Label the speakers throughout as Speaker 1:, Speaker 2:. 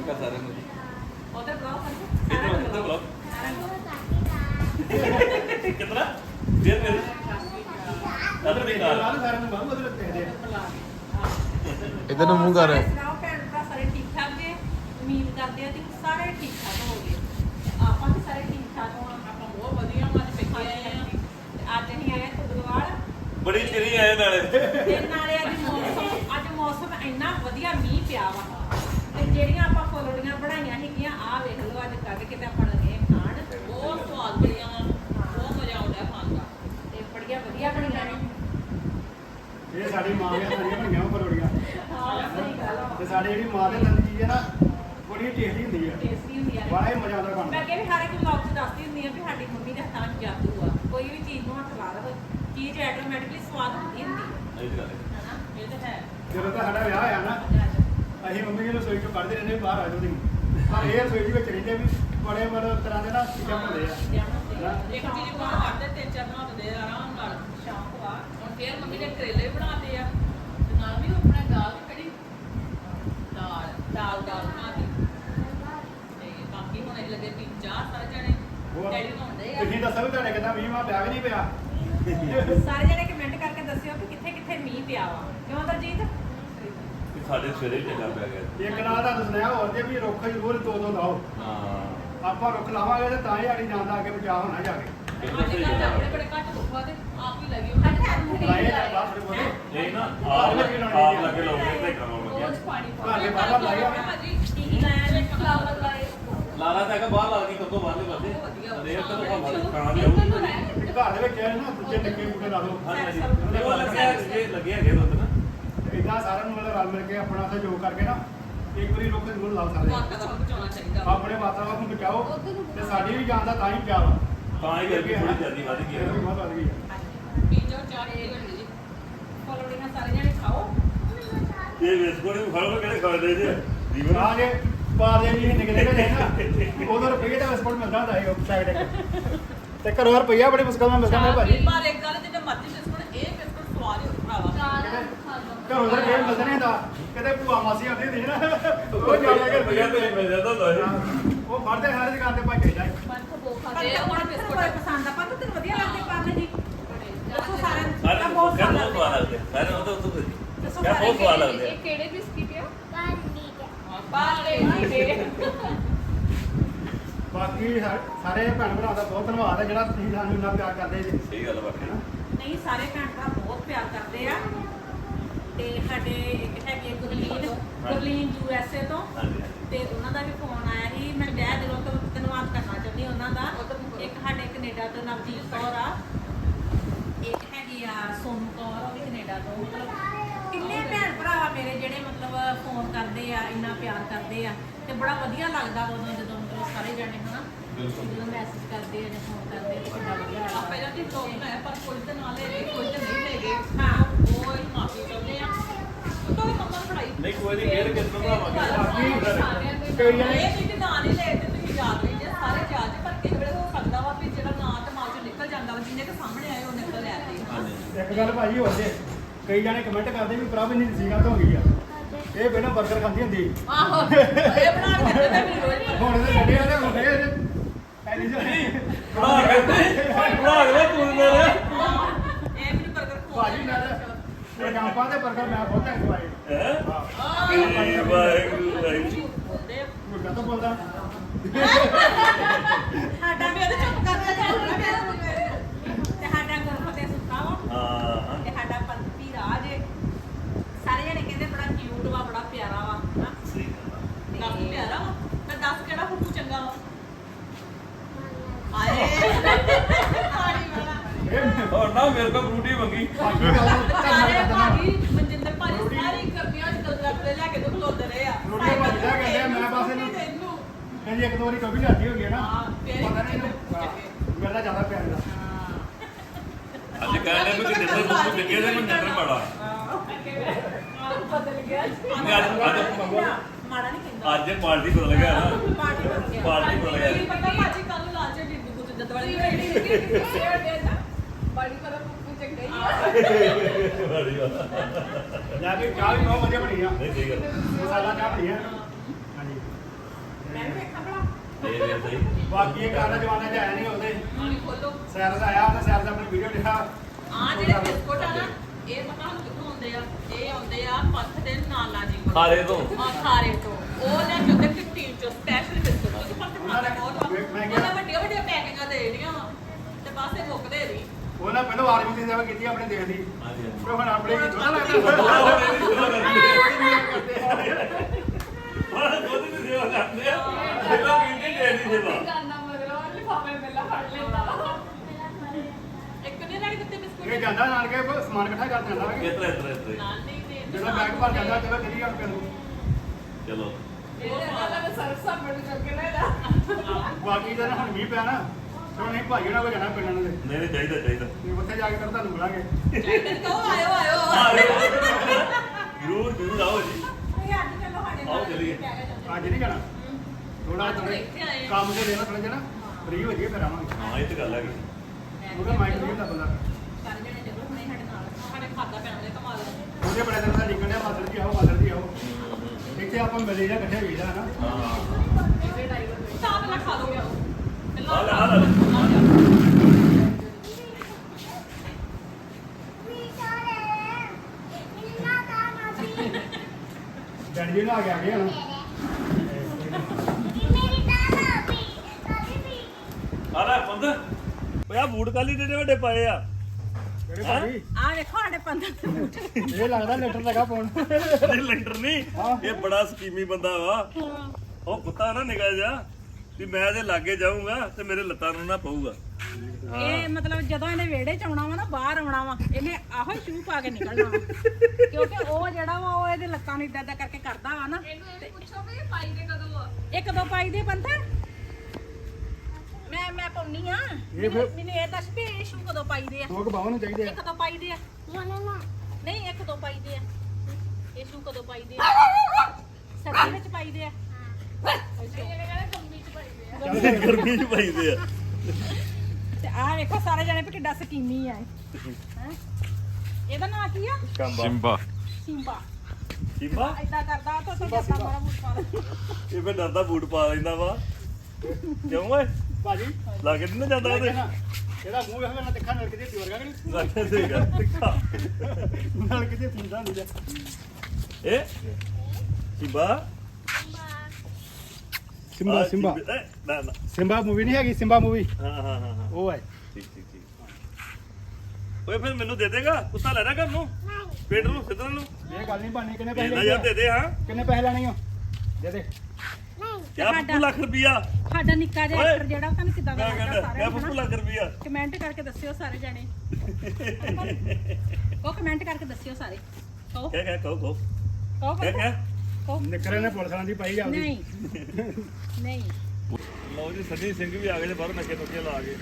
Speaker 1: ਨਮਸਕਾਰ ਸਾਰਿਆਂ ਨੂੰ।
Speaker 2: ਉਧਰ ਬੁਲਾਓ
Speaker 1: ਕਿੱਧਰ ਬੁਲਾਓ ਕਿਤਨਾ ਦੇਰ ਮੇਰੇ ਅਦਰ ਦੇ ਨਾਲ
Speaker 3: ਸਾਰਿਆਂ ਨੂੰ ਬਾਹੂ ਉਧਰ ਦੇਖਦੇ
Speaker 4: ਇਧਰ ਨੂੰ ਮੂੰਹ ਕਰ
Speaker 2: ਸੁਣਾਓ ਭੈਣ ਭਰਾ ਸਾਰੇ ਠੀਕ ਠਾਕ ਜੇ ਉਮੀਦ ਕਰਦੇ ਆ ਕਿ ਸਾਰੇ ਠੀਕ ਠਾਕ ਹੋਗੇ ਆਪਾਂ ਵੀ ਸਾਰੇ ਠੀਕ ਠਾਕ ਹਾਂ ਆਪਾਂ ਬਹੁਤ ਵਧੀਆ ਮੱਝ ਪੱਕੀ ਆਏ ਆ ਤੇ ਅੱਜ ਨਹੀਂ ਆਏ ਤੁਗਲਵਾਲ
Speaker 1: ਬੜੀ ਚਿਰੀ ਆਏ ਨਾਲੇ
Speaker 2: ਤੇ ਨਾਲੇ ਅੱਜ ਮੌਸਮ ਇੰਨਾ ਵਧੀਆ ਮੀਂਹ ਪਿਆ ਵਾ ਤੇ ਜਿਹੜੀਆਂ ਆਪਾਂ ਫੁੱਲੜੀਆਂ ਬਣਾਈਆਂ ਸੀਗੀਆਂ ਆਹ ਵੇਖ ਲਓ ਅੱਜ ਕੱਢ ਕੇ ਤੇ ਆਪਾਂ ਲੱਗੇ ਖਾਣ ਬਹੁਤ ਸਵਾਦ ਬਣੀਆਂ ਵਾ ਬਹੁਤ ਮਜ਼ਾ ਆਉਂਦਾ ਖਾਣ ਦਾ ਤੇ ਬੜੀਆਂ ਵਧੀਆ ਬਣੀਆਂ ਨੇ
Speaker 3: ਇਹ ਸਾਡੀ ਮਾਂ ਦੀਆਂ ਸਾਰੀਆਂ ਬਣੀਆਂ ਪਰੋੜੀਆਂ
Speaker 2: ਹਾਂ ਸਹੀ ਗੱਲ ਆ
Speaker 3: ਤੇ ਸਾਡੀ ਜਿਹੜੀ ਮਾਂ ਦੇ ਦੰਦ ਚੀਜ਼ ਹੈ ਨਾ ਬੜੀ ਟੇਸਟੀ ਹੁੰਦੀ ਆ
Speaker 2: ਟੇਸਟੀ ਹੁੰਦੀ ਆ
Speaker 3: ਬੜਾ ਹੀ ਮਜ਼ਾ ਆਉਂਦਾ ਖਾਣ
Speaker 2: ਮੈਂ
Speaker 3: ਦਾ
Speaker 2: ਅੱਗੇ ਵੀ ਹਰ ਇੱਕ ਵਲੌਗ 'ਚ ਦੱਸਦੀ ਹੁੰਦੀ ਆ ਵੀ ਸਾਡੀ ਮੰਮੀ ਦੇ ਹੱਥਾਂ 'ਚ ਜਾਦੂ ਆ ਕੋਈ ਵੀ ਚੀਜ਼ ਨੂੰ ਹੱਥ ਲਾ ਲਓ ਚੀਜ਼ ਆਟੋਮੈਟਿਕਲੀ ਸਵਾਦ ਹੁੰਦੀ ਹੁੰਦੀ
Speaker 1: ਇਹ ਗੱਲ ਹੈ
Speaker 2: ਹੈ ਨਾ ਇਹ ਤਾਂ ਹੈ
Speaker 3: ਜਦੋਂ ਤਾਂ ਸਾਡਾ ਵਿਆਹ ਹੋਇਆ ਨਾ ਅਸੀਂ ਮੰਮੀ ਨੂੰ ਰਸੋਈ ਚੋਂ ਕੱਢਦੇ ਰਹਿੰਦੇ ਵੀ ਬਾਹਰ ਆ ਜਾਓ ਤੁਸੀਂ ਪਰ ਇਹ ਰਸੋਈ ਦੇ ਵਿੱਚ ਰਹਿੰਦੇ ਵੀ ਬੜੇ ਮਤਲਬ ਤਰ੍ਹਾਂ ਦੇ ਨਾ ਚੀਜ਼ਾਂ ਬਣਦੇ ਆ
Speaker 2: ਇੱਕ ਚੀਜ਼ ਬਣਾ ਕਰਦੇ ਤਿੰਨ ਚਾਰ ਬਣਾ ਦਿੰਦੇ ਆ ਆਰਾਮ ਨਾਲ ਸ਼ੌਂਕ ਵਾ ਹੁਣ ਫੇਰ ਮੰਮੀ ਨੇ ਕਰੇਲੇ ਬਣਾਤੇ ਆ ਤੇ ਨਾਲ ਵੀ ਉਹ ਆਪਣਾ ਦਾਲ ਦੀ ਕੜੀ ਦਾਲ ਬਣਾਤੀ ਤੇ ਬਾਕੀ ਹੁਣ ਇਹ ਲੱਗੇ ਤਿੰਨ ਚਾਰ ਸਾਰੇ ਜਣੇ ਡੈਡੀ ਬਣਾਉਂਦੇ ਆ
Speaker 3: ਤੁਸੀਂ ਦੱਸੋ ਵੀ ਤੁਹਾਡੇ ਕਿੱਦਾਂ ਮੀਂਹ ਮਾ ਪਿਆ ਕਿ ਨਹੀਂ ਪਿਆ
Speaker 2: ਸਾਰੇ ਜਣੇ ਕਮੈਂਟ ਕਰਕੇ ਦੱਸਿਓ ਕਿ ਕਿੱਥੇ ਕਿੱਥੇ ਮੀਂਹ ਪਿਆ ਵਾ ਕਿਉਂ ਦਰਜੀਤ
Speaker 1: ਸਾਡੇ ਸਵੇਰੇ ਹੀ ਚੰਗਾ ਪੈ ਗਿਆ
Speaker 3: ਇੱਕ ਨਾਲ ਤੁਹਾਨੂੰ ਸੁਣਿਆ ਹੋਰ ਜੇ ਵੀ ਰੁੱਖ ਜ਼ਰੂਰ ਦੋ ਲਾਓ
Speaker 1: ਹਾਂ
Speaker 3: ਆਪਾਂ ਰੁੱਖ ਲਾਵਾਂਗੇ ਤੇ ਤਾਂ ਹੀ ਸਾਡੀ ਜਾਨ ਦਾ ਅੱਗੇ ਬਚਾਅ ਹੋਣਾ ਜਾ ਕੇ
Speaker 2: ਬੜੇ ਘੱਟ ਲੋਕਾਂ ਦੇ ਆਪ ਹੀ ਲੱਗੇ
Speaker 3: ਲਾਏ ਜਾ ਬਾਹਰ ਥੋੜੇ ਬਹੁਤੇ
Speaker 1: ਇਹ ਨਾ ਆਪ ਲੱਗੇ ਲਾਉਗੇ ਤੇ ਕਰਾਂਗੇ
Speaker 2: ਰੋਜ਼ ਪਾਣੀ
Speaker 3: ਘਰ ਦੇ ਬਾਹਰ ਲਾਇਆ
Speaker 2: ਭਾਜੀ ਕੀ ਲਾਇਆ ਵਿੱਚ ਫਲਾਵਰ ਲਾਏ
Speaker 1: ਲਾਲਾ ਤਾਂ ਬਾਹਰ ਲਾ ਕੇ ਕਦੋਂ ਬਾਹਰ ਦੇ ਬੰਦੇ ਦੇਰ ਤੱਕ ਹਵਾ ਖਾਣਾ ਜਾਊ
Speaker 3: ਘਰ ਦੇ ਵਿੱਚ ਇਹ ਨਾ ਦੂਜੇ ਨਿੱਕੇ ਬੂਟੇ ਲਾ ਲਓ
Speaker 1: ਇਹ ਵਾਲਾ ਲੱਗੇ ਹੈਗੇ ਦੁੱਧ ਨਾ
Speaker 3: ਇਦਾਂ ਸਾਰਿਆਂ ਨੂੰ ਮਤਲਬ ਰਲ ਮਿਲ ਕੇ ਆਪਣਾ ਸਹਿਯੋਗ ਕਰਕੇ ਨਾ ਇੱਕ ਵਾਰੀ ਰੁੱਖ ਜ਼ਰੂਰ ਲਾ ਸਕਦੇ ਆ। ਆਪਣੇ ਵਾਤਾਵਰਨ ਨੂੰ ਬਚਾਓ ਤੇ ਸਾਡੀ ਵੀ ਜਾਨ ਦਾ ਤਾਂ ਹੀ ਬਚਾਅ ਵਾ
Speaker 1: ਤਾਂ ਹੀ ਕਰਕੇ ਥੋੜੀ ਜਲਦੀ ਵੱਧ ਗਈ ਹੈ
Speaker 3: ਗਰਮੀ ਬਹੁਤ ਵੱਧ ਗਈ ਆ
Speaker 2: ਪੀਜੋ ਚਾਹ ਇਹ ਗੰਢੀ ਜੀ ਫਲੋੜੀਆਂ ਸਾਰੇ ਜਣੇ ਖਾਓ
Speaker 1: ਇਹ ਬਿਸਕੁਟ ਵੀ ਖਾਓ ਕਿਹੜੇ ਖਾਦੇ ਜੇ ਜੀਵਨ
Speaker 3: ਆ ਜੇ ਪਾਰ ਦੇ ਜੀ ਨਿਕਲੇ ਗਏ ਨਾ ਉਦੋਂ ਰੁਪਈਏ ਦਾ ਬਿਸਕੁਟ ਮਿਲਦਾ ਹੁੰਦਾ ਸੀ ਉਹ ਸਾਈਡ ਇੱਕ ਤੇ ਘਰੋਂ ਰੁਪਈਆ ਬੜੀ ਮੁਸ਼ਕਲ ਨਾਲ ਮਿਲਦਾ ਮੇਰੇ ਭਾਜੀ
Speaker 2: ਪਰ ਇੱਕ ਗੱਲ ਤੇ ਮਰਜ਼ੀ ਬਿਸਕੁਟ ਇਹ ਬਿਸਕੁਟ ਸਵਾਦ ਹੀ ਭਰਾਵਾ
Speaker 3: ਘਰੋਂ ਦਾ ਰੁਪਈਆ ਮਿਲਦਾ ਨਹੀਂ ਹੁੰਦਾ ਕਿਤੇ ਭੂਆ ਮਾਸੀ ਆਉਂਦੀ ਹੁੰਦੀ ਸੀ ਨਾ ਉਹ ਜਾਣਾ ਕਿ
Speaker 1: ਰੁਪਈਆ ਤੇ ਮਿਲ ਜਾਂਦਾ ਹੁੰਦਾ
Speaker 3: ਉਹ ਫੜਦੇ ਹਰ ਦੁਕਾਨ ਤੇ ਭੱਜ ਜਾਈਦਾ
Speaker 2: ਇਹ ਹੁਣ ਬਿਸਕੁਟ ਪਸੰਦ ਆ ਪਰ ਤੈਨੂੰ ਵਧੀਆ ਲੱਗਦੇ ਪਾਣ ਜੀ ਦੱਸੋ ਸਾਰਿਆਂ ਨੂੰ
Speaker 1: ਸਾਰੇ
Speaker 2: ਬਹੁਤ
Speaker 1: ਬਹੁਤ
Speaker 2: ਸਵਾਦ
Speaker 1: ਸਵਾਦ
Speaker 2: ਲੱਗਦੇ
Speaker 1: ਲੱਗਦੇ ਸਾਰੇ ਉਹ ਤਾਂ
Speaker 2: ਦੱਸੋ
Speaker 1: ਬਹੁਤ ਸਵਾਦ ਲੱਗਦੇ ਆ
Speaker 2: ਕਿਹੜੇ ਬਿਸਕਿਟ ਆ ਬਾਲੇ ਦੇ
Speaker 3: ਬਾਕੀ ਸਾਰੇ ਭੈਣ ਭਰਾ ਦਾ ਬਹੁਤ ਧੰਨਵਾਦ ਹੈ ਜਿਹੜਾ ਤੁਸੀਂ ਸਾਨੂੰ ਇੰਨਾ ਪਿਆਰ ਕਰਦੇ ਜੀ
Speaker 1: ਸਹੀ ਗੱਲ ਬਾਕੀ
Speaker 2: ਨਹੀਂ ਸਾਰੇ ਭੈਣ ਭਰਾ ਬਹੁਤ ਪਿਆਰ ਕਰਦੇ ਆ ਤੇ ਸਾਡੇ ਇੱਕ ਹੈਗੇ ਗੁਰਲੀਨ USA ਤੋਂ
Speaker 1: ਹਾਂਜੀ
Speaker 2: ਤੇ ਉਹਨਾਂ ਦਾ ਵੀ ਫੋਨ ਆਇਆ ਸੀ ਮੈਂ ਤਹਿ ਦਿਲੋਂ ਤੋਂ ਧੰਨਵਾਦ ਕਰਨਾ ਚਾਹੁੰਦੀ ਉਹਨਾਂ ਦਾ ਇੱਕ ਸਾਡੇ ਕੈਨੇਡਾ ਤੋਂ ਨਵਜੀਤ ਕੌਰ ਆ ਇੱਕ ਹੈਗੀ ਆ ਸੋਨੂ ਕੌਰ ਉਹ ਵੀ ਕੈਨੇਡਾ ਤੋਂ ਮਤਲਬ ਕਿੰਨੇ ਭੈਣ ਭਰਾ ਆ ਮੇਰੇ ਜਿਹੜੇ ਮਤਲਬ ਫੋਨ ਕਰਦੇ ਆ ਇੰਨਾ ਪਿਆਰ ਕਰਦੇ ਆ ਤੇ ਬੜਾ ਵਧੀਆ ਲੱਗਦਾ ਉਦੋਂ ਜਦੋਂ ਮਤਲਬ ਸਾਰੇ ਜਣੇ ਹਨਾ ਜਦੋਂ ਮੈਸੇਜ ਕਰਦੇ ਆ ਜਾਂ ਫੋਨ ਕਰਦੇ ਆ ਤੇ ਬੜਾ ਵਧੀਆ ਲੱਗਦਾ ਪਹਿਲਾਂ ਜੀ ਟੋਕ ਹੈ ਪਰ ਕੁਝ ਤੇ ਨਾਲ ਲੈ ਗਏ ਕੁਝ ਤੇ ਨਹੀਂ ਲੈ ਗਏ ਹਾਂ ਉਹ ਹੀ ਮਾਫੀ ਚਾਹੁੰਦੇ ਆ ਉਹ ਤਾਂ ਮੰਮਾ ਨੂੰ ਪੜਾਈ
Speaker 1: ਨਹੀਂ ਕੋਈ ਨਹੀਂ ਫੇਰ ਕਿਸ ਨੂੰ
Speaker 3: ਬਾਕੀ ਕਈ ਜਣੇ
Speaker 2: ਇਹ ਤੁਸੀਂ ਨਾਂ ਨਹੀਂ ਲੈ ਤੇ ਤੁਸੀਂ ਯਾਦ ਨਹੀਂ ਜੇ ਸਾਰੇ ਯਾਦ ਪਰ ਕਿਸੇ ਵੇਲੇ ਹੋ ਸਕਦਾ ਵਾ ਵੀ ਜਿਹੜਾ ਨਾਂ ਦਿਮਾਗ ਚੋਂ ਨਿਕਲ ਜਾਂਦਾ ਵਾ ਜਿੰਨੇ ਕਿ ਸਾਹਮਣੇ ਆਏ ਉਹ ਨਿਕਲ ਆਉਂਦੇ
Speaker 3: ਇੱਕ ਗੱਲ ਭਾਜੀ ਹੋਰ ਜੇ ਕਈ ਜਣੇ ਕਮੈਂਟ ਕਰਦੇ ਵੀ ਪ੍ਰਭ ਨਹੀਂ ਸੀ ਗੱਲ ਹੋ ਗਈ ਆ ਇਹ ਬਿਨਾਂ 버ਗਰ ਖਾਂਦੀ ਹੁੰਦੀ
Speaker 2: ਆਹੋ ਇਹ ਬਣਾ ਕੇ ਦਿੰਦੇ ਮੈਨੂੰ ਰੋਜ਼
Speaker 3: ਹੁਣ ਇਹਦੇ ਛੱਡੇ ਆ ਤੇ ਹੁਣ ਫੇਰ ਐਨੀ ਜੀ
Speaker 1: ਬਣਾ ਕੇ ਤੂੰ ਮੇਰੇ
Speaker 2: ਇਹ ਮੈਨੂੰ 버ਗਰ ਖਵਾ
Speaker 3: ਭਾਜੀ ਮੈਂ ਜੰਪਾਂ ਦੇ 버ਗਰ ਮੈਂ ਬਹੁਤ ਹੈ ਖਵਾਏ
Speaker 1: ਹੈ
Speaker 3: ਹਾਂ
Speaker 1: ਵਾਹਿਗੁਰੂ
Speaker 3: ਮੁੰਡਾ ਤਾਂ ਬੋਲਦਾ
Speaker 2: ਸਾਡਾ ਵੀ ਉਹਦੇ ਚੁੱਪ ਕਰਦਾ ਜਾਂਦਾ ਤੇ ਸਾਡਾ ਗੁਰਫਤਿਹ ਸੁੱਤਾ ਵਾ
Speaker 1: ਹਾਂ
Speaker 2: ਤੇ ਸਾਡਾ ਪੰਥੀ ਰਾਜ ਸਾਰੇ ਜਣੇ ਕਹਿੰਦੇ ਬੜਾ ਕਿਊਟ ਵਾ ਬੜਾ ਪਿਆਰਾ ਵਾ ਹਨਾ
Speaker 1: ਸਹੀ ਗੱਲ
Speaker 2: ਦੱਸ ਪਿਆਰਾ ਵਾ ਤੇ ਦੱਸ ਕਿਹੜਾ ਫੁੱਫੂ ਚੰਗਾ ਵਾ ਆਏ ਆੜੀ ਵਾਲਾ
Speaker 1: ਔਰ ਨਾ ਮੇਰੇ ਕੋਲ ਬਰੂਟੀ ਮੰਗੀ
Speaker 3: ਬਾਕੀ ਗੱਲ
Speaker 2: ਸਾਰੇ
Speaker 3: ਧੰਨਵਾਦ ਕਰਦਾ
Speaker 2: ਭਾਜੀ ਮਨਜਿੰਦਰ ਭਾਜੀ ਸਾਰੀ ਗਰਮੀਆਂ ਚ ਗਲਗਲਾ ਤੇ ਲੈ ਕੇ ਦੁੱਖ ਲੋਦੇ ਰਹੇ ਆ
Speaker 3: ਰੋਟੀ ਭਾਜੀ ਦਾ ਕਹਿੰਦੇ ਆ, ਮੈਂ ਬਸ ਇਹਨੂੰ
Speaker 2: ਤੈਨੂੰ
Speaker 3: ਕਹਿੰਦੀ ਇੱਕ ਦੋ ਵਾਰੀ ਕਵੀ ਲਾਦੀ ਹੋ ਗਈ ਹੈ ਨਾ
Speaker 2: ਹਾਂ, ਫੇਰ ਹੀ
Speaker 3: ਪਤਾ ਨਹੀਂ
Speaker 2: ਚੰਗੇ।
Speaker 3: ਮੇਰਾ ਜ਼ਿਆਦਾ ਪਿਆਰ ਦਾ
Speaker 1: ਅੱਜ ਕਹਿੰਦੇ ਵੀ ਕਿ ਜਿੱਦਾਂ ਤੂੰ ਡਿੱਗੇ ਤੇ ਮੈਂ ਨੰਬਰ ਪਾੜਾ
Speaker 2: ਬਦਲ ਗਿਆ ਮਾੜਾ ਨਹੀਂ ਕਹਿੰਦਾ
Speaker 1: ਅੱਜ ਪਾਰਟੀ ਬਦਲ ਗਿਆ ਨਾ
Speaker 2: ਪਾਰਟੀ ਬਦਲ ਗਿਆ
Speaker 1: ਪਾਰਟੀ ਬਦਲ ਗਿਆ
Speaker 2: ਕੀ ਪਤਾ ਭਾਜੀ ਕੱਲ ਨੂੰ ਲਾਲ ਜੇ ਦੀ ਗੁੱਤ ਜਦ ਵਾਲੀ ਬੜੀ ਪਰ ਕੁੱਕੂ ਚੰਗਾ ਹੀ ਆ
Speaker 1: ਬੜੀ ਵਾਹ
Speaker 3: ਲੈ ਕੇ ਚਾਹ ਵੀ ਬਹੁਤ ਵਧੀਆ ਬਣੀ ਆ
Speaker 1: ਨਹੀਂ ਸਹੀ ਗੱਲ
Speaker 3: ਮਸਾਲਾ ਚਾਹ ਬਣੀ ਆ ਹਾਂਜੀ
Speaker 2: ਮੈਂ ਵੀ ਵੇਖਾਂ ਭਲਾ
Speaker 1: ਇਹ ਸਹੀ
Speaker 3: ਬਾਕੀ ਇਹ ਗਾਣਾ ਜਮਾਨਾ ਚ ਆਇਆ ਨਹੀਂ ਉਹਦੇ
Speaker 2: ਪਾਣੀ ਖੋਲੋ
Speaker 3: ਸੈਰ ਦਾ ਆਇਆ ਉਹਨੇ ਸੈਰ ਦਾ ਆਪਣੀ ਵੀਡੀਓ ਲਿਖਾ
Speaker 2: ਆ ਜਿਹੜੇ ਬਿਸਕੁਟ ਆ ਨਾ ਇਹ ਪਤਾ ਹੁਣ ਕਿੱਥੋਂ ਆਉਂਦੇ ਆ ਇਹ ਆਉਂਦੇ ਆ ਪੱਥ ਦੇ ਨਾਲਾ ਜੀ ਕੋਲ।
Speaker 1: ਖਾਰੇ ਤੋਂ
Speaker 2: ਆ ਖਾਰੇ ਤੋਂ ਉਹ ਲੈ ਚੁੱਕੇ ਤੇ ਟੀਮ ਚੋਂ ਸਪੈਸ਼ਲ ਬਿਸਕੁਟ ਉਹ ਪੱਥ ਖਾਣਾ ਬਹੁਤ ਆ
Speaker 3: ਮੈਂ ਕਿਹਾ-
Speaker 2: ਉਹਨਾਂ ਵੱਡੀਆਂ ਵੱਡੀਆਂ ਪੈਕਿੰਗਾਂ ਦੇ ਦੇਣੀਆਂ ਵਾ ਤੇ ਬਸ ਇਹ ਮੁੱਕਦੇ ਨਹੀਂ
Speaker 3: ਉਹਨਾਂ ਪਹਿਲਾਂ ਆਰਮੀ ਦੀ ਸੇਵਾ ਕੀਤੀ ਆਪਣੇ ਦੇਸ਼ ਦੀ
Speaker 1: ਹਾਂਜੀ ਹਾਂਜੀ
Speaker 3: ਉਹ ਹੁਣ ਆਪਣੇ ਕੀ ਥੋੜਾ
Speaker 1: ਹੁਣ ਖੁਦ ਦੀ ਸੇਵਾ ਕਰਦੇ ਆ ਸੇਵਾ ਕਿੰਨੀ ਦੇ ਦੀ ਸੇਵਾ
Speaker 2: ਇੱਕ ਨੇ ਲੈ ਕੇ ਦਿੱਤੇ ਬਿਸਕੁਟ
Speaker 3: ਇਹ ਜਾਂਦਾ ਨਾਲ ਕੇ ਸਮਾਨ ਇਕੱਠਾ ਕਰ ਜਾਂਦਾ ਵਾ ਕਿ
Speaker 1: ਇਤਰਾ ਇਤਰਾ ਇਤਰਾ
Speaker 2: ਨਾਲ ਨਹੀਂ ਦੇ
Speaker 3: ਜਦੋਂ ਬੈਗ ਭਰ ਜਾਂਦਾ ਚਲੋ ਚਲੀ ਗਿਆ ਕਰ
Speaker 1: ਚਲੋ
Speaker 3: ਬਾਕੀ ਤਾਂ ਨਾ ਹੁਣ ਮੀਂਹ ਪਿਆ ਨਾ ਤੇ ਨਹੀਂ ਭਾਈ ਉਹਨਾਂ ਕੋ ਜਾਣਾ ਪਿੰਡਾਂ ਦੇ
Speaker 1: ਨਹੀਂ ਨਹੀਂ ਚਾਹੀਦਾ ਚਾਹੀਦਾ
Speaker 3: ਤੇ ਉੱਥੇ ਜਾ ਕੇ ਫਿਰ ਤੁਹਾਨੂੰ ਮਿਲਾਂਗੇ
Speaker 2: ਕਹੋ ਆਇਓ ਆਇਓ
Speaker 1: ਜ਼ਰੂਰ ਜ਼ਰੂਰ ਆਓ ਜੀ
Speaker 2: ਅੱਜ ਚੱਲੋ ਸਾਡੇ
Speaker 1: ਆਓ ਚੱਲੀਏ।
Speaker 3: ਅੱਜ ਨਹੀਂ ਜਾਣਾ ਥੋੜਾ
Speaker 2: ਅੱਜ
Speaker 3: ਥੋੜੇ
Speaker 2: ਇੱਥੇ ਆਏ।
Speaker 3: ਕੰਮ ਦੇ ਦੇਣਾ ਥੋੜਾ ਜਿਹਾ ਨਾ ਫ੍ਰੀ ਹੋ ਜਾਈਏ ਫਿਰ ਆਵਾਂਗੇ
Speaker 1: ਹਾਂ ਇਹ ਤਾਂ ਗੱਲ ਹੈਗੀ
Speaker 3: ਉਹਦਾ ਮਾਈਂਡ ਨਹੀਂ ਹੁੰਦਾ ਬੰਦਾ
Speaker 2: ਸਾਰੇ ਜਣੇ ਚੱਲੋ ਹੁਣੇ ਸਾਡੇ ਨਾਲ ਸਾਡੇ ਖਾਦਾ ਪੈਣ ਦੇ ਕਮਾਲ ਦਾ
Speaker 3: ਉਹਦੇ ਬੜੇ ਦਿਨ ਦਾ ਨਿਕਲਿਆ ਮਾਸਟਰ ਜੀ ਆਓ ਮਾਸਟਰ ਜੀ ਆਓ ਇੱਥੇ ਆਪਾਂ ਮਿਲੇ ਜਾਂ ਇਕੱਠੇ ਵੀਦਾ ਨਾ
Speaker 2: ਸਾਥ ਨਾਲ ਖਾ ਦੋਗੇ ਆਓ
Speaker 1: ਆ ਲੈ
Speaker 3: ਡੈਡੀ ਜੀ ਨਾਲ ਆ ਗਏ ਹੁਣ
Speaker 1: ਆ ਲੈ ਪੰਦ ਓਏ ਆ ਬੂਟ ਕਾਲੀ ਦੇ ਵੱਡੇ ਪਾਏ ਆ
Speaker 3: ਕਿਹੜੇ ਭਾਈ
Speaker 2: ਆ ਵੇਖੋ ਸਾਡੇ ਪੰਦਰਾਂ ਦੇ ਬੂਟ
Speaker 3: ਇਹ ਲੱਗਦਾ ਲੈਟਰ ਲਗਾ ਪਾਉਣ
Speaker 1: ਇਹ ਲੈਂਟਰ ਨਹੀਂ ਇਹ ਬੜਾ ਸਕੀਮੀ ਬੰਦਾ ਵਾ ਉਹ ਕੁੱਤਾ ਨਾ ਨਿਕਾ ਜਾ ਵੀ ਮੈਂ ਇਹਦੇ ਲਾਗੇ ਜਾਊਂਗਾ ਤੇ ਮੇਰੇ ਲੱਤਾਂ ਨੂੰ ਨਾ ਪਊਗਾ
Speaker 2: ਇਹ ਮਤਲਬ ਜਦੋਂ ਇਹਨੇ ਵਿਹੜੇ ਚ ਆਉਣਾ ਵਾ ਨਾ ਬਾਹਰ ਆਉਣਾ ਵਾ ਇਹਨੇ ਆਹੋ ਹੀ ਸ਼ੂ ਪਾ ਕੇ ਨਿਕਲਣਾ ਵਾ ਕਿਉਂਕਿ ਉਹ ਜਿਹੜਾ ਵਾ ਉਹ ਇਹਦੇ ਲੱਤਾਂ ਨੂੰ ਇਦਾਂ ਕਰਕੇ ਕਰਦਾ ਵਾ ਨਾ
Speaker 5: ਪੁੱਛੋ ਵੀ ਪਾਈ ਦੇ ਕਦੋਂ ਆ
Speaker 2: ਇਹ ਕਦੋਂ ਪਾਈ ਦੇ ਪੰਥ ਮੈਂ ਪਾਉਣੀ ਆ ਮੈਨੂੰ ਇਹ ਦੱਸ ਵੀ ਇਹ ਸ਼ੂ ਕਦੋਂ ਪਾਈ ਦੇ ਆ
Speaker 3: ਲੋਕ ਬਾਹਾਂ ਨੂੰ ਚਾਹੀਦੇ
Speaker 2: ਇਹ
Speaker 3: ਆ
Speaker 2: ਕਦੋਂ ਪਾਈ ਦੇ ਆ ਨਹੀਂ ਇਹ ਕਦੋਂ ਪਾਈ ਦੇ ਆ ਇਹ ਸ਼ੂ ਕਦੋਂ ਪਾਈ ਦੇ ਆ ਸਰਦੀ ਵਿੱਚ ਪਾਈ ਦੇ ਆ
Speaker 5: ਇਹਨੇ ਕਹਿੰਦਾ ਕੰਬੀ ਚ ਪਾਈ ਦੇ ਆ
Speaker 1: ਗਰਮੀ ਚ ਪਾਈਦੇ ਆ
Speaker 2: ਤੇ ਆਹ ਵੇਖੋ ਸਾਰੇ ਜਣੇ ਵੀ ਕਿੱਡਾ ਸਕੀਮੀ ਆ ਹੈ ਇਹਦਾ ਨਾਂ ਕੀ ਆ
Speaker 4: ਸਿੰਬਾ
Speaker 2: ਸਿੰਬਾ
Speaker 1: ਸਿੰਬਾ
Speaker 2: ਏਦਾਂ ਕਰਦਾ ਤਾਂ ਤਾਂ ਜੱਟਾ ਮਾਰਾ ਬੂਟ ਪਾ ਦੇ
Speaker 1: ਇਹ ਫੇ ਡਰਦਾ ਬੂਟ ਪਾ ਲੈਂਦਾ ਵਾ ਕਿਉਂ ਓਏ
Speaker 3: ਭਾਜੀ
Speaker 1: ਲਾਗੇ ਨਹੀਂ ਨਾ ਜਾਂਦਾ ਉਹਦੇ
Speaker 3: ਇਹਦਾ ਮੂੰਹ ਵੇਖੋ ਨਾ ਤਿੱਖਾ ਨਲਕੇ ਦੀ ਵਰਗਾ ਕਿ ਨਹੀਂ
Speaker 1: ਲਾਗੇ ਦੇਗਾ ਤਿੱਖਾ
Speaker 3: ਨਲਕੇ ਦੀ ਥਿੰਦਾ ਨਹੀਂ ਜਾ
Speaker 1: ਇਹ ਸਿੰਬਾ
Speaker 3: ਸਿੰਬਾ ਸਿੰਬਾ
Speaker 1: ਨਾ ਨਾ
Speaker 3: ਸਿੰਬਾ ਮੂਵੀ ਨਹੀਂ ਹੈਗੀ ਸਿੰਬਾ ਮੂਵੀ
Speaker 1: ਹਾਂ ਹਾਂ ਹਾਂ ਹਾਂ
Speaker 3: ਉਹ ਹੈ
Speaker 1: ਠੀਕ ਠੀਕ ਠੀਕ ਓਏ ਫਿਰ ਮੈਨੂੰ ਦੇ ਦੇਗਾ ਕੁੱਤਾ ਲੈਣਾ ਘਰ ਨੂੰ ਪਿੰਡ ਨੂੰ ਸਿੱਧਰ ਨੂੰ
Speaker 3: ਇਹ ਗੱਲ ਨਹੀਂ ਬਣਨੀ ਕਿੰਨੇ ਪੈਸੇ
Speaker 1: ਦੇਦਾ ਯਾਰ ਦੇ ਦੇ ਹਾਂ
Speaker 3: ਕਿੰਨੇ ਪੈਸੇ ਲੈਣੇ ਹੋ ਦੇ ਦੇ
Speaker 1: ਕਿਆ ਫੁੱਫੂ ਲੱਖ ਰੁਪਿਆ
Speaker 2: ਸਾਡਾ ਨਿੱਕਾ ਜਿਹਾ
Speaker 1: ਓਏ।
Speaker 2: ਐਕਟਰ ਜਿਹੜਾ ਉਹ ਤੁਹਾਨੂੰ ਕਿੱਦਾਂ ਦਾ
Speaker 1: ਮੈਂ
Speaker 2: ਲੱਗਾ
Speaker 1: ਕਹਿੰਦਾ
Speaker 2: ਸਾਰੇ
Speaker 1: ਕਿਆ ਫੁੱਫੂ ਲੱਖ ਰੁਪਿਆ
Speaker 2: ਕਮੈਂਟ ਕਰਕੇ ਦੱਸਿਓ ਸਾਰੇ ਜਣੇ ਉਹ ਕਮੈਂਟ ਕਰਕੇ ਦੱਸਿਓ ਸਾਰੇ ਕਹੋ
Speaker 1: ਕਹਿ ਕਹਿ ਕਹੋ ਕਹੋ
Speaker 2: ਕਹੋ
Speaker 1: ਕਹਿ ਕਹਿ
Speaker 2: ਕਹੋ
Speaker 3: ਨਿਕਰੇ ਨੇ ਪੁਲਿਸਾਂ ਦੀ ਪਾਈ ਜਾਂਦੀ
Speaker 2: ਨਹੀਂ ਨਹੀਂ
Speaker 1: ਲਓ ਜੀ ਸੰਨੀ ਸਿੰਘ ਵੀ ਆ ਗਏ ਤੇ ਬਾਹਰ ਨੱਕੇ ਨੁੱਕੇ ਲਾ ਕੇ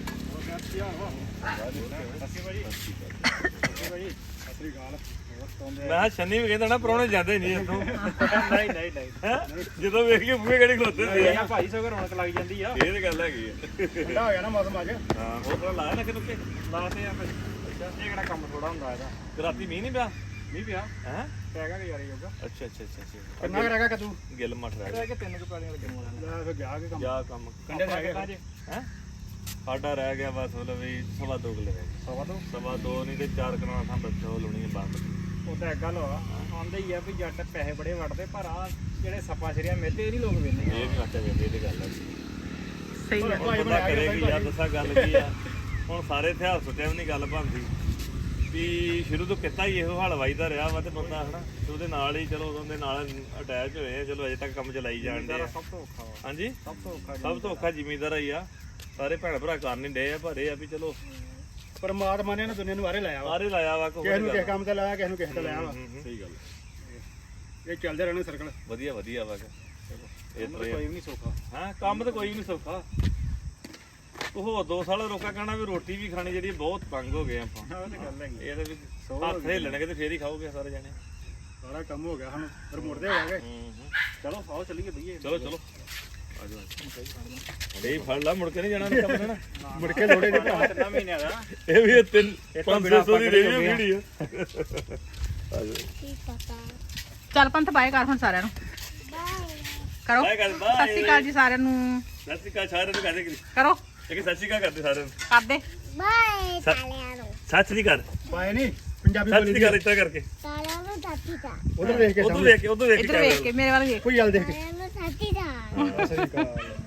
Speaker 1: ਮੈਂ ਕਿਹਾ ਸ਼ਨੀ ਵੀ ਕਹਿੰਦਾ ਨਾ ਪ੍ਰਾਹੁਣੇ ਜਾਂਦੇ ਨਹੀਂ ਇੱਥੋਂ
Speaker 3: ਨਹੀਂ ਨਹੀਂ ਨਹੀਂ
Speaker 1: ਹੈਂ? ਜਦੋਂ ਵੇਖ ਕੇ ਬੂਹੇ ਕਿਹੜੇ ਖਲੋਤੇ ਹੁੰਦੇ ਆ
Speaker 3: ਭਾਈ ਸੋ ਰੌਣਕ ਲੱਗ ਜਾਂਦੀ ਆ
Speaker 1: ਇਹ ਤੇ ਗੱਲ ਹੈਗੀ ਆ
Speaker 3: ਠੰਡਾ ਹੋ ਗਿਆ ਨਾ ਮੌਸਮ ਅੱਜ
Speaker 1: ਹਾਂ ਹੋਰ ਤਰ੍ਹਾਂ ਲਾਇਆ ਨੱਕੇ ਨੁੱਕੇ
Speaker 3: ਲਾਤੇ ਆ ਫਿਰ ਇਹ ਕਿਹੜਾ ਕੰਮ ਥੋੜਾ ਹੁੰਦਾ ਇਹਦਾ
Speaker 1: ਤੇ ਰਾਤੀ ਮੀਂਹ ਨਹੀਂ ਪਿਆ
Speaker 3: ਨਹੀਂ ਪਿਆ
Speaker 1: ਹੈ
Speaker 3: ਪੈਗਾ ਕਿ ਯਾਰ ਯੋਗਾ
Speaker 1: ਅੱਛਾ ਅੱਛਾ ਅੱਛਾ ਅੱਛਾ
Speaker 3: ਕਿੰਨਾ ਰਹਿ ਗਿਆ ਕਦੂ
Speaker 1: ਗਿੱਲ ਮੱਠ ਰਹਿ ਗਿਆ
Speaker 3: ਕਿ ਤਿੰਨ ਕੁ ਪੈਲੀਆਂ ਲੱਗਣ ਲੈ ਫਿਰ ਗਿਆ ਕਿ ਕੰਮ
Speaker 1: ਜਾ ਕੰਮ
Speaker 3: ਕੰਡੇ ਰਹਿ ਗਏ
Speaker 1: ਹੈ ਸਾਡਾ ਰਹਿ ਗਿਆ ਬਸ ਮਤਲਬ ਵੀ 2.5 ਕਿੱਲੇ ਰਹਿ ਗਏ
Speaker 3: ਸਵਾ ਤੋਂ
Speaker 1: 2.5 ਨਹੀਂ ਤੇ 4 ਕਨਾਲ ਥਾਂ ਬੱਚੋ ਲਾਉਣੀ ਹੈ ਬੰਦ
Speaker 3: ਉਹ ਤਾਂ ਇੱਕ ਗੱਲ ਵਾ ਆਉਂਦੇ ਹੀ ਆ ਵੀ ਜੱਟ ਪੈਸੇ ਬੜੇ ਵੜਦੇ ਪਰ ਆ ਜਿਹੜੇ ਸੱਪਾ ਸਿਰਿਆ ਮੇਤੇ ਇਹ ਨਹੀਂ ਲੋਕ ਵੇਂਦੇ
Speaker 1: ਇਹ ਨਹੀਂ ਆਟਾ ਵੇਂਦੇ ਇਹ ਤੇ ਗੱਲ ਹੈ
Speaker 2: ਸਹੀ
Speaker 3: ਗੱਲ।
Speaker 1: ਹੁਣ ਬੰਦਾ ਕਰੇ ਕੀ ਯਾਰ ਦੱਸਾਂ ਗੱਲ ਕੀ ਆ ਹੁਣ ਸਾਰੇ ਇਤਿਹਾਸ ਸੁੱਟਿਆ ਵੀ ਨਹੀਂ ਗੱਲ ਬਣਦੀ ਵੀ ਸ਼ੁਰੂ ਤੋਂ ਕਿੱਤਾ ਹੀ ਇਹੋ ਹਲਵਾਈ ਦਾ ਰਿਹਾ ਵਾ ਤੇ ਬੰਦਾ ਹਨਾ ਤੇ ਉਹਦੇ ਨਾਲ ਹੀ ਚਲੋ ਉਹਦੇ ਨਾਲ ਅਟੈਚ ਹੋਏ ਆ ਚਲੋ ਅਜੇ ਤੱਕ ਕੰਮ ਚਲਾਈ ਜਾਣ ਦੇ
Speaker 3: ਸਭ ਤੋਂ ਔਖਾ ਵਾ
Speaker 1: ਹਾਂਜੀ
Speaker 3: ਸਭ ਤੋਂ ਔਖਾ
Speaker 1: ਸਭ ਤੋਂ ਔਖਾ ਜ਼ਿਮੀਂਦਾਰ ਹੀ ਆ ਸਾਰੇ ਭੈਣ ਭਰਾ ਕਰ ਨਹੀਂ ਡੇ ਆ ਪਰ ਇਹ ਆ ਵੀ ਚਲੋ
Speaker 3: ਪਰਮਾਤਮਾ ਨੇ ਨਾ ਦੁਨੀਆ ਨੂੰ ਆਰੇ ਲਾਇਆ ਵਾ
Speaker 1: ਸਾਰੇ ਲਾਇਆ ਵਾ ਕੋਈ
Speaker 3: ਕਿਸੇ ਨੂੰ ਕਿਸੇ ਕੰਮ ਤੇ ਲਾਇਆ ਕਿਸੇ ਨੂੰ ਕਿਸੇ ਤੇ ਲਾਇਆ ਵਾ
Speaker 1: ਸਹੀ ਗੱਲ
Speaker 3: ਇਹ ਚੱਲਦੇ ਰਹਿਣੇ ਸਰਕਲ
Speaker 1: ਵਧੀਆ ਵਧੀਆ ਵਾ ਇਹ
Speaker 3: ਕੋਈ ਵੀ ਨਹੀਂ ਸੌਖਾ
Speaker 1: ਹਾਂ ਕੰਮ ਤਾਂ ਕੋਈ ਵੀ ਨਹੀਂ ਸੌਖਾ ਉਹ ਹੋਰ 2 ਸਾਲ ਰੋਕਾ ਕਹਿਣਾ ਵੀ ਰੋਟੀ ਵੀ ਖਾਣੀ ਜਿਹੜੀ ਬਹੁਤ ਤੰਗ ਹੋ ਗਏ ਆਪਾਂ
Speaker 3: ਉਹ ਤੇ ਗੱਲ ਹੈਗੀ
Speaker 1: ਇਹ ਤਾਂ ਵੀ ਹੱਥ ਹਿੱਲਣਗੇ ਤੇ ਫੇਰ ਹੀ ਖਾਓਗੇ ਸਾਰੇ ਜਣੇ
Speaker 3: ਸਾਰਾ ਕੰਮ ਹੋ ਗਿਆ ਹੁਣ ਫਿਰ ਮੁੜਦੇ ਹੋ ਗਏ ਚਲੋ ਆਓ ਚੱਲੀਏ ਬਈਏ
Speaker 1: ਚਲੋ ਚਲੋ ਆਜੋ ਇਹ ਫੜ ਲਾ ਮੁੜ ਕੇ ਨਹੀਂ ਜਾਣਾ ਉਹਨੇ ਕੰਮ ਨਾ
Speaker 3: ਮੁੜ ਕੇ ਲੋੜੇ ਦੇ ਭਰਾ 3 ਮਹੀਨਿਆਂ ਦਾ
Speaker 1: ਇਹ ਵੀ 500 ਦੀ ਰੇਹੜੀ ਕਿਹੜੀ ਆ ਆਜੋ
Speaker 2: ਚੱਲ ਪੰਥ ਬਾਏ ਕਰ ਹੁਣ ਸਾਰਿਆਂ ਨੂੰ ਕਰੋ
Speaker 1: ਬਾਏ ਕਰ
Speaker 2: ਸਤਿ ਸ਼੍ਰੀ ਅਕਾਲ ਜੀ ਸਾਰਿਆਂ ਨੂੰ
Speaker 1: ਸਤਿ ਸ਼੍ਰੀ ਅਕਾਲ ਸਾਰਿਆਂ ਨੂੰ ਕਹਦੇ
Speaker 2: ਕਰੋ
Speaker 1: ਕਿ ਸਤਿ ਸ਼੍ਰੀ ਅਕਾਲ ਕਰਦੇ ਸਾਰਿਆਂ ਨੂੰ
Speaker 2: ਕਰਦੇ
Speaker 6: ਬਾਏ ਸਾਲਿਆਂ ਨੂੰ
Speaker 1: ਸਤਿ ਸ਼੍ਰੀ ਅਕਾਲ
Speaker 3: ਪਾਏ ਨਹੀਂ ਪੰਜਾਬੀ
Speaker 1: ਸਤਿ
Speaker 3: ਬੋਲੀ
Speaker 1: ਸ਼੍ਰੀ ਅਕਾਲ ਇੱਦਾਂ ਕਰਕੇ
Speaker 6: ਸਾਲਿਆਂ ਨੂੰ ਸਾਥੀ ਦਾ
Speaker 3: ਉਧਰ ਵੇਖ ਕੇ
Speaker 1: ਉਧਰ ਵੇਖ ਕੇ
Speaker 2: ਇੱਧਰ ਵੇਖ ਕੇ ਮੇਰੇ ਵੱਲ ਵੇਖ
Speaker 3: ਕੋਈ ਗੱਲ ਦੇਖ ਕੇ
Speaker 6: ਸਾਲਿਆਂ ਨੂੰ ਸਾਥੀ ਦਾ
Speaker 3: ਸਤਿ ਸ਼੍ਰੀ ਅਕਾਲ